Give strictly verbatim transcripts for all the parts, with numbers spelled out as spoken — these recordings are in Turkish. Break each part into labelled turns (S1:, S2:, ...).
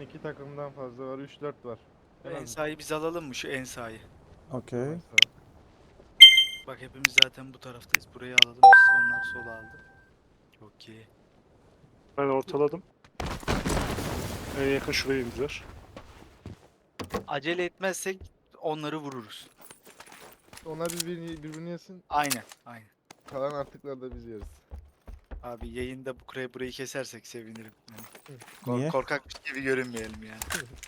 S1: iki takımdan fazla var. üç dört var. En az
S2: Ensayı biz alalım mı, şu Ensayı?
S3: Okey.
S2: Bak hepimiz zaten bu taraftayız. Burayı alalım biz. Onlar sola aldı. Çok iyi.
S4: Ben ortaladım. En yakın şuraya indiler.
S2: Acele etmezsek onları vururuz.
S1: Onlar birbirini, birbirini yesin.
S2: Aynen. Aynen.
S1: Kalan artıkları da biz yeriz.
S2: Abi yayında bu burayı, burayı kesersek sevinirim. Yani kork-
S3: Niye?
S2: korkakmış gibi görünmeyelim yani.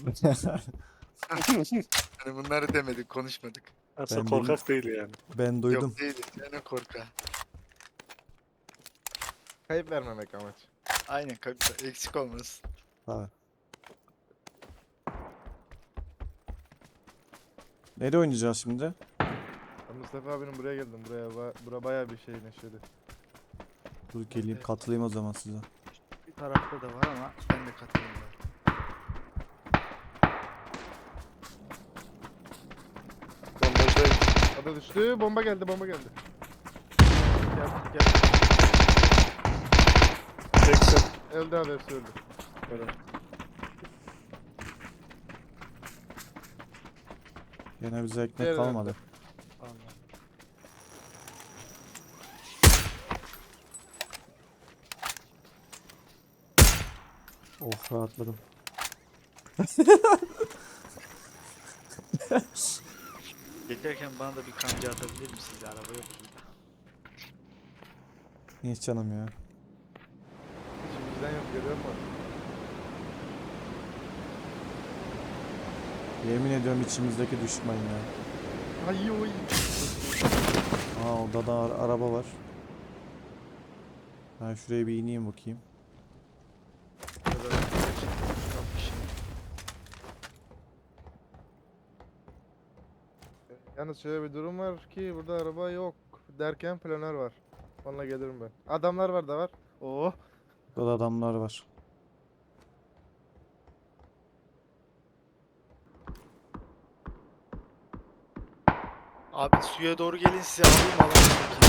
S2: Hani bunları demedik, konuşmadık.
S4: Aslında
S3: Ben
S4: korkak değil yani.
S3: Ben duydum.
S2: Yok değiliz. Yani korka.
S1: Kayıp vermemek amaç.
S2: Aynen kanka, eksik olmasın.
S3: Ha. Nereye oynayacağız şimdi?
S1: Ben Mustafa abinin buraya geldim. Buraya ba bura bayağı bir şey neşeli.
S3: Dur geleyim
S2: Evet.
S3: katılayım o zaman size.
S2: Bir tarafta da var ama ben de katılıyorum.
S4: Bandajdayım.
S1: Ada düştü. Bomba geldi. Bomba geldi. Gel gel.
S4: seksen.
S1: Öldü abi, hepsi öldü.
S4: Böyle.
S3: Yine bize ekmek
S1: Diğer
S3: kalmadı.
S2: Allah.
S3: Oh rahatladım.
S2: Geçerken bana da bir kanca atabilir misiniz? Araba yok burada.
S3: Hiç canım ya.
S1: İçimizden yok, görüyor musun?
S3: Yemin ediyorum içimizdeki düşman ya.
S1: Ay oy.
S3: Aa orada da ara- araba var. Ben şuraya bir ineyim bakayım.
S1: Yalnız şöyle bir durum var ki burada araba yok derken planör var. Onunla gelirim ben. Adamlar var da var. Oh.
S3: Burada adamlar var.
S2: Abi suya doğru gelin, size alayım alayım.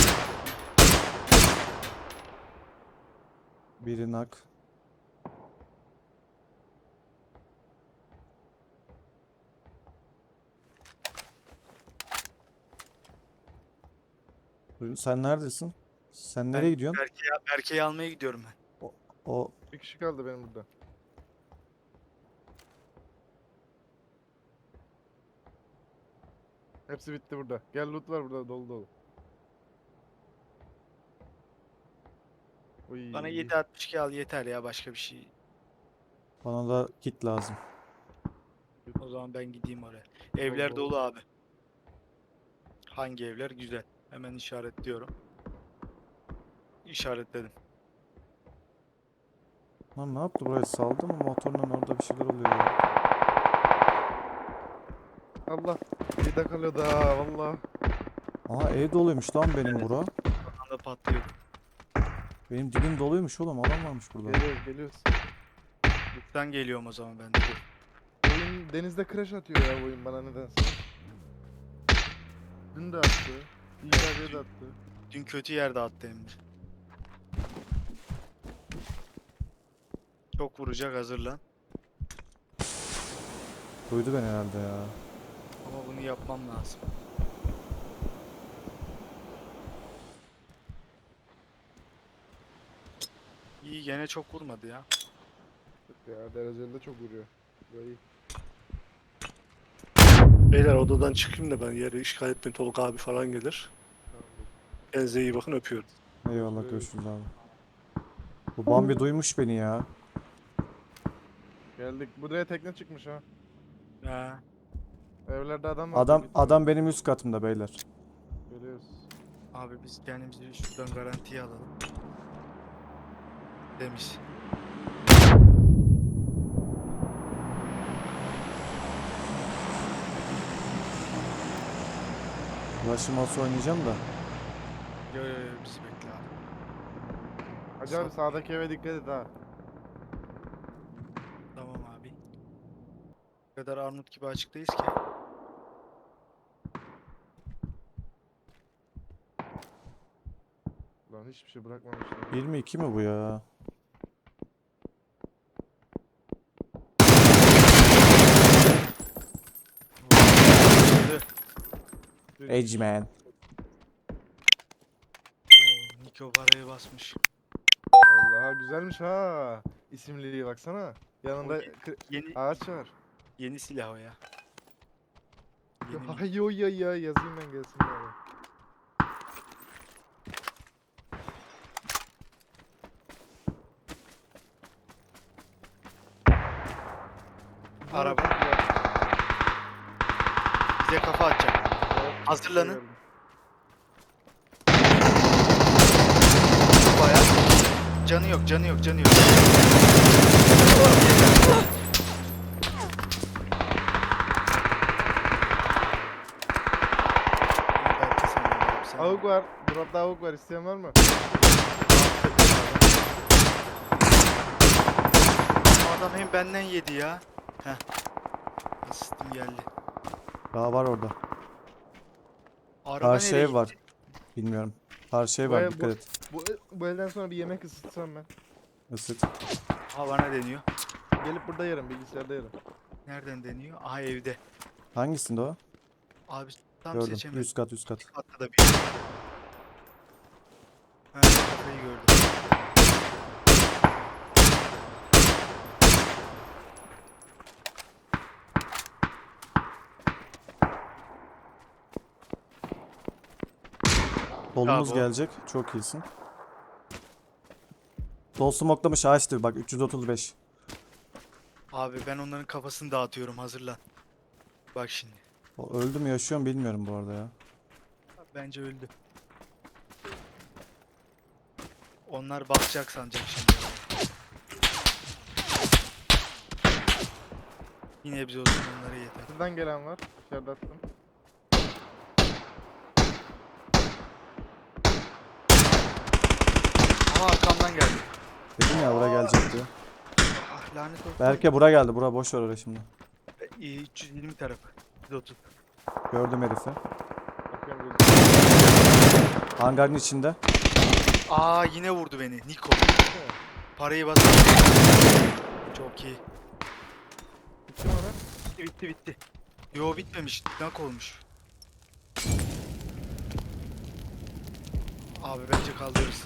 S3: Biri nak. Buyurun, sen neredesin? Sen nereye
S2: Ben
S3: gidiyorsun?
S2: Berke'yi Berke'yi almaya gidiyorum ben.
S3: O
S1: Bir kişi kaldı benim burada. Hepsi bitti burada. Gel, loot var burada, dolu dolu. Uy.
S2: Bana yedi altmış iki al yeter ya, başka bir şey.
S3: bana da kit lazım.
S2: O zaman ben gideyim oraya. Evler
S1: bol.
S2: dolu abi. Hangi evler? Güzel. Hemen işaretliyorum. İşaretledim.
S3: Lan ne yaptı buraya saldı mı motorla orada bir şeyler oluyor ya.
S1: Allah. Bir de kalıyordu ha valla.
S3: Aha ev doluymuş lan benim
S2: Evet.
S3: bura.
S2: Anda patlıyor.
S3: Benim dibim doluymuş oğlum adam varmış burada.
S1: Geliyoruz geliyoruz.
S2: Lütfen geliyorum o zaman ben de. Dur.
S1: Oyun denizde crash atıyor ya bu oyun bana nedense. Dün de attı. İlk evet, de attı.
S2: Dün kötü yerde attı hem de. Çok vuracak, hazırlan.
S3: Duydu beni herhalde ya.
S2: Ama bunu yapmam lazım. İyi, gene çok vurmadı ya.
S1: Ya dereceli de çok vuruyor. Böyle iyi.
S4: Beyler odadan çıkayım da ben yeri işgal etmeyin. Tolga abi falan gelir.
S1: Tamam, dur.
S4: Kendinize iyi bakın, öpüyorum.
S3: Eyvallah
S1: Evet.
S3: görüşürüz abi. Bu Bambi duymuş beni ya.
S1: Geldik. Buraya tekne çıkmış ha.
S2: Ha.
S1: Evlerde adam var.
S3: Adam
S1: git
S3: adam benim üst katımda beyler.
S1: Görüyoruz.
S2: Abi biz kendimizi şuradan garantiye alalım. Demiş.
S3: Ulaşım olsa oynayacağım da.
S2: Yo yo yo, bizi bekle abi.
S1: Hacı abi sağdaki eve dikkat et ha.
S2: Tamam abi. O kadar armut gibi açıktayız ki.
S1: Lan hiçbir şey bırakmamışlar.
S3: bir mi iki mi bu ya? Edge man.
S2: Oo, Niko parayı basmış.
S1: Vallahi güzelmiş ha. İsimliliği baksana. Yanında
S2: O ye-
S1: kı-
S2: Yeni
S1: ağaç var.
S2: yeni silah o ya. Yeni mi?
S1: Hay yo ya ya yazayım ben gelsin bari.
S2: Araba. Bize kafa atacak.
S1: Evet,
S2: Hazırlanın.
S1: şey geldi.
S2: Bayağı. Canı yok, canı yok, canı yok. Belki sen de yapsan.
S1: Avuk var. Dropta avuk var. İsteyen var mı?
S2: Bu adam hem benden yedi ya. Heh. Asistim geldi.
S3: Daha var orada.
S2: Araba
S3: Karşı
S2: nereye
S3: ev var.
S2: gitti?
S3: Bilmiyorum. Karşı ev
S1: Bu
S3: var,
S1: ev-
S3: dikkat
S1: bu-
S3: et.
S1: Bu, bu elden sonra bir yemek ısıtsam ben.
S3: Isıt.
S2: Ha bana deniyor.
S1: Gelip burada yerim. Bilgisayarda yerim.
S2: Nereden deniyor? Aha evde.
S3: Hangisinde o?
S2: Abi tam
S3: Gördüm.
S2: seçemedim.
S3: Üst kat, üst kat.
S2: Hatta da bir. Ha kafayı gördüm.
S3: Solumuz
S2: Bravo.
S3: gelecek. Çok iyisin. Sol smoklamış ağaçtır bak, üç yüz otuz beş.
S2: Abi ben onların kafasını dağıtıyorum, hazırlan. Bak şimdi.
S3: O öldü mü yaşıyor mu bilmiyorum bu arada ya.
S2: Bence öldü. Onlar bakacak sanacak şimdi. Yine biz olsun, onlara yeter.
S1: Şuradan gelen var. İçeride attım.
S2: Ama arkamdan geldi.
S3: Dedim ya bura gelecek diye.
S2: Ah lanet olsun.
S3: Berke bura geldi. Bura boş ver oraya şimdi.
S2: Ee, üç yüz yirmi tarafı. yüz otuz.
S3: Gördüm herifi.
S1: Bakıyorum gözüm.
S3: Hangarın içinde.
S2: Aa yine vurdu beni. Niko. Parayı bas. Çok iyi.
S1: Bitti mi orada?
S2: Bitti bitti bitti. Yo bitmemiş. Nak olmuş. Abi bence kaldırırız.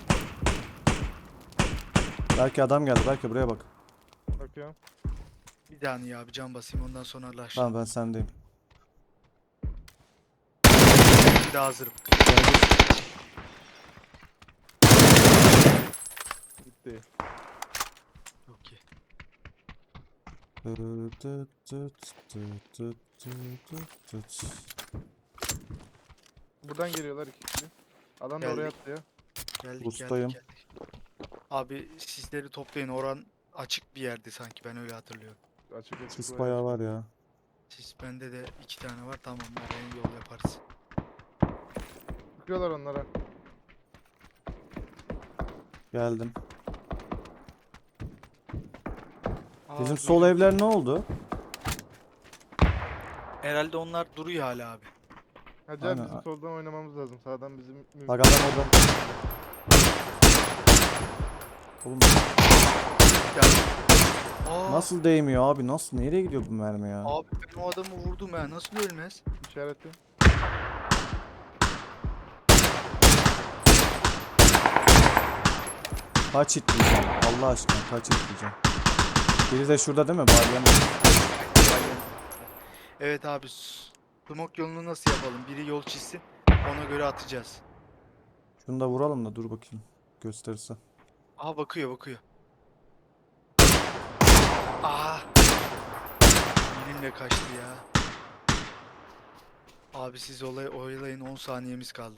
S3: Belki adam geldi. Belki buraya bak.
S1: Bakıyorum.
S2: Bir saniye abi, can basayım, ondan sonra laş.
S3: Tamam ben sendeyim.
S2: Bir daha hazırım.
S1: Bitti.
S2: Çok iyi.
S1: Buradan geliyorlar iki kişi. Adam da
S2: Geldik.
S1: oraya atlıyor.
S2: Geldik
S3: Bustayım.
S2: geldik geldik. Abi sizleri toplayın, oran açık bir yerdi sanki, ben öyle hatırlıyorum.
S1: Açık açık.
S3: Sis
S1: var.
S3: bayağı var ya.
S2: Siz bende de iki tane var, tamam oraya yol yaparız.
S1: Bakıyorlar onlara.
S3: Geldim.
S2: Aa,
S3: Bizim
S2: duydum.
S3: sol evler ne oldu?
S2: Herhalde onlar duruyor hala abi.
S1: Hacı
S3: Aynen.
S1: abi bizim soldan oynamamız lazım. Sağdan bizim mümkün.
S3: Bak adam orada. Oğlum
S2: Aa,
S3: nasıl değmiyor abi? Nasıl? Nereye gidiyor bu mermi ya?
S2: Abi ben o adamı vurdum ya, nasıl ölmez?
S1: İşareti.
S3: Kaç hit diyeceğim? Allah aşkına kaç hit diyeceğim? Biri de şurada değil mi? Balyanın.
S2: Evet abi, s- smoke yolunu nasıl yapalım? Biri yol çizsin, ona göre atacağız.
S3: Şunu da vuralım da dur bakayım. Gösterirse.
S2: Aha bakıyor bakıyor. Aa. Benimle kaçtı ya. Abi siz olay oyalayın, on saniyemiz kaldı.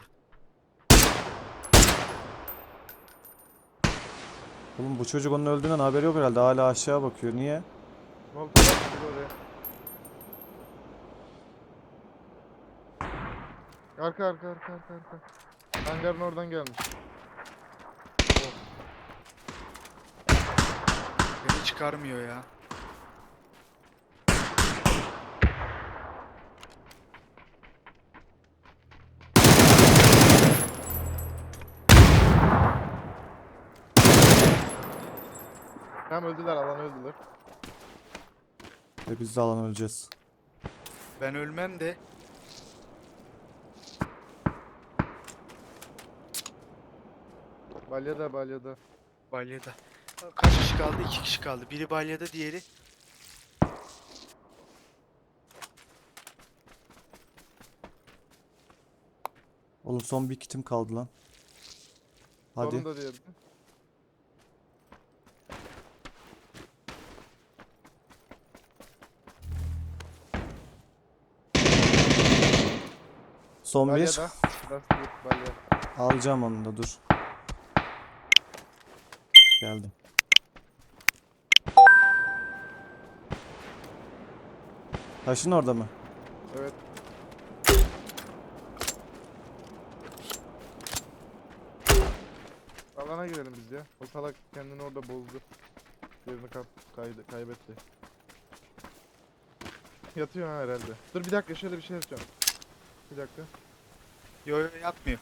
S3: Oğlum bu çocuk onun öldüğünden haberi yok herhalde. Hala aşağı bakıyor. Niye?
S1: Molotov attı biri oraya. Arka arka arka arka arka. Hangarın oradan gelmiş.
S2: Beni çıkarmıyor ya.
S1: Tam öldüler, alan öldüler.
S3: Ve biz de alan öleceğiz.
S2: Ben ölmem de
S1: Balyada balyada.
S2: Balyada. Kaç kişi kaldı? İki kişi kaldı. Biri balyada, diğeri.
S3: Oğlum son bir kitim kaldı lan. Hadi.
S1: Sonunda diyelim.
S3: Son bir.
S1: Balyada. Lastik balya.
S3: Alacağım onu da dur. Geldim. Taşın orada mı?
S1: Evet. Alana girelim biz ya. O salak kendini orada bozdu. Yerini kap kaydı kaybetti. Yatıyor ha herhalde. Dur bir dakika şöyle bir şey yapacağım. Bir dakika.
S2: Yo yo yatmıyor.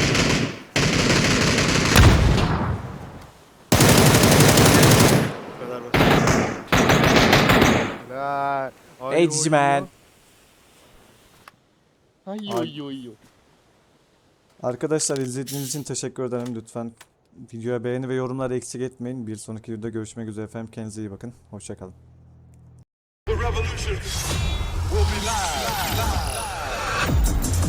S2: Bu kadar basit.
S1: La.
S3: Hey cici man.
S1: Ay
S3: Ay.
S1: yo yo yo.
S3: Arkadaşlar izlediğiniz için teşekkür ederim. Lütfen videoya beğeni ve yorumları eksik etmeyin. Bir sonraki videoda görüşmek üzere efendim. Kendinize iyi bakın. Hoşçakalın.
S5: The revolution will be live. live.